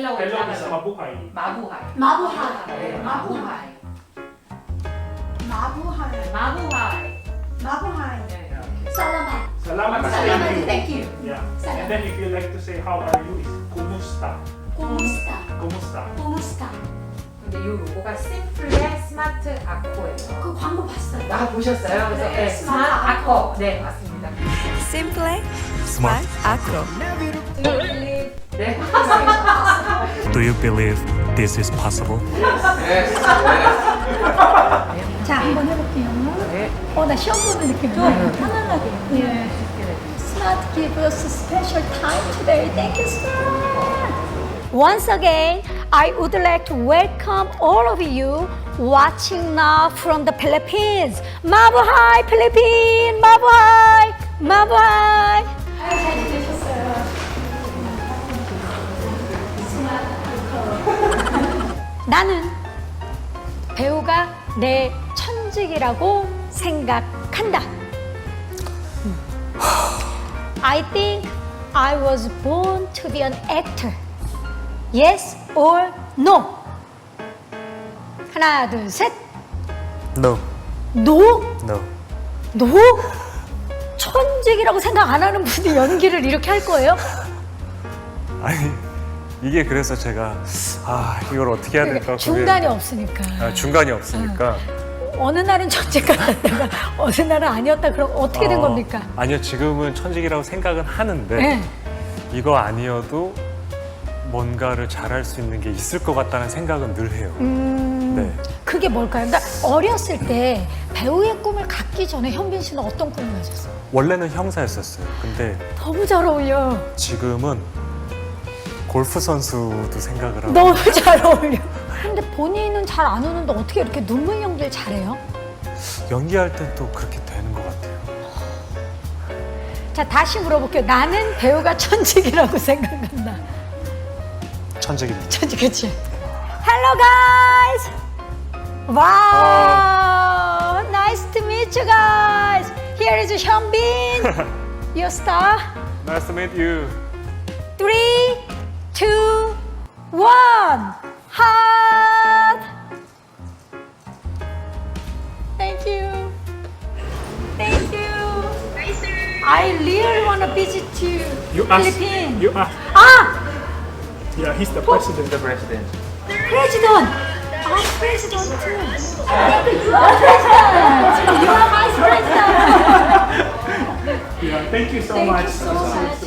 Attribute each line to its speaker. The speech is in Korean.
Speaker 1: 벨록이라고
Speaker 2: 벨록 is
Speaker 1: 하죠.
Speaker 2: mabuhay.
Speaker 1: 마부하이.
Speaker 3: 마부하이.
Speaker 1: 네,
Speaker 3: 마부하이. 마부하이.
Speaker 1: 마부하이.
Speaker 3: 마부하이.
Speaker 1: 네.
Speaker 3: 살라마.
Speaker 2: Salamat is
Speaker 3: Salamat,
Speaker 2: thank you.
Speaker 3: thank you.
Speaker 2: Yeah.
Speaker 3: Salamat.
Speaker 2: And then if you like to say how are you is kumusta.
Speaker 3: 고무스타.
Speaker 2: Kumusta.
Speaker 3: 고무스타.
Speaker 1: 근데 이 로고가 심플의 스마트 아코예요.
Speaker 3: 그 광고 봤어요.
Speaker 1: 아, 보셨어요? 그래서
Speaker 3: 네,
Speaker 1: 네,
Speaker 3: 스마트
Speaker 1: 스마트 아코. 네, 맞습니다.
Speaker 4: Simple Smart Acro.
Speaker 1: 네.
Speaker 5: Do you believe this is possible?
Speaker 3: 자, 한번 해볼게요.
Speaker 1: 네.
Speaker 3: 나 시험 보는 느낌이야. 편안하게. 예. Smart give us special time today. Thank you, Smart. Once again, I would like to welcome all of you watching now from the Philippines. Mabuhay, Philippines! Mabuhay! Mabuhay! 잘 지내셨어요? 나는 배우가 내 천직이라고 생각한다. I think I was born to be an actor. Yes or no? 하나, 둘, 셋.
Speaker 5: No.
Speaker 3: No?
Speaker 5: No.
Speaker 3: No? 천직이라고 생각 안 하는 분이 연기를 이렇게 할 거예요?
Speaker 5: 아니 이게 그래서 제가 이걸 어떻게 해야 될까?
Speaker 3: 중간이 없으니까.
Speaker 5: 중간이 없으니까.
Speaker 3: 어느 날은 천직 같았다가 어느 날은 아니었다. 그럼 어떻게 된 겁니까?
Speaker 5: 아니요 지금은 천직이라고 생각은 하는데
Speaker 3: 네.
Speaker 5: 이거 아니어도 뭔가를 잘할 수 있는 게 있을 것 같다는 생각은 늘 해요. 네.
Speaker 3: 그게 뭘까요? 그러니까 어렸을 때 배우의 꿈을 갖기 전에 현빈 씨는 어떤 꿈을 가졌어요?
Speaker 5: 원래는 형사였었어요. 근데
Speaker 3: 너무 잘 어울려.
Speaker 5: 지금은 골프 선수도 생각을 하고
Speaker 3: 너무 잘 어울려. 근데 본인은 잘 안 우는데 어떻게 이렇게 눈물 연기를 잘해요?
Speaker 5: 연기할 땐 또 그렇게 되는 것 같아요.
Speaker 3: 자, 다시 물어볼게요. 나는 배우가 천직이라고 생각한다.
Speaker 5: 천직입니다.
Speaker 3: 천직, 그치? Hello, guys! Wow! Nice to meet you guys! Here is Hyunbin, your star.
Speaker 5: Nice to meet you.
Speaker 3: 3, 2, 1. Heart. Thank you. Thank you. I really want to visit you. Philippines.
Speaker 2: You ask.
Speaker 3: Ah,
Speaker 2: Yeah, he's the president. The president.
Speaker 3: president. I'm president too. You are president. You are vice president.
Speaker 2: Yeah, thank you so
Speaker 3: Thank
Speaker 2: much.
Speaker 3: you so much.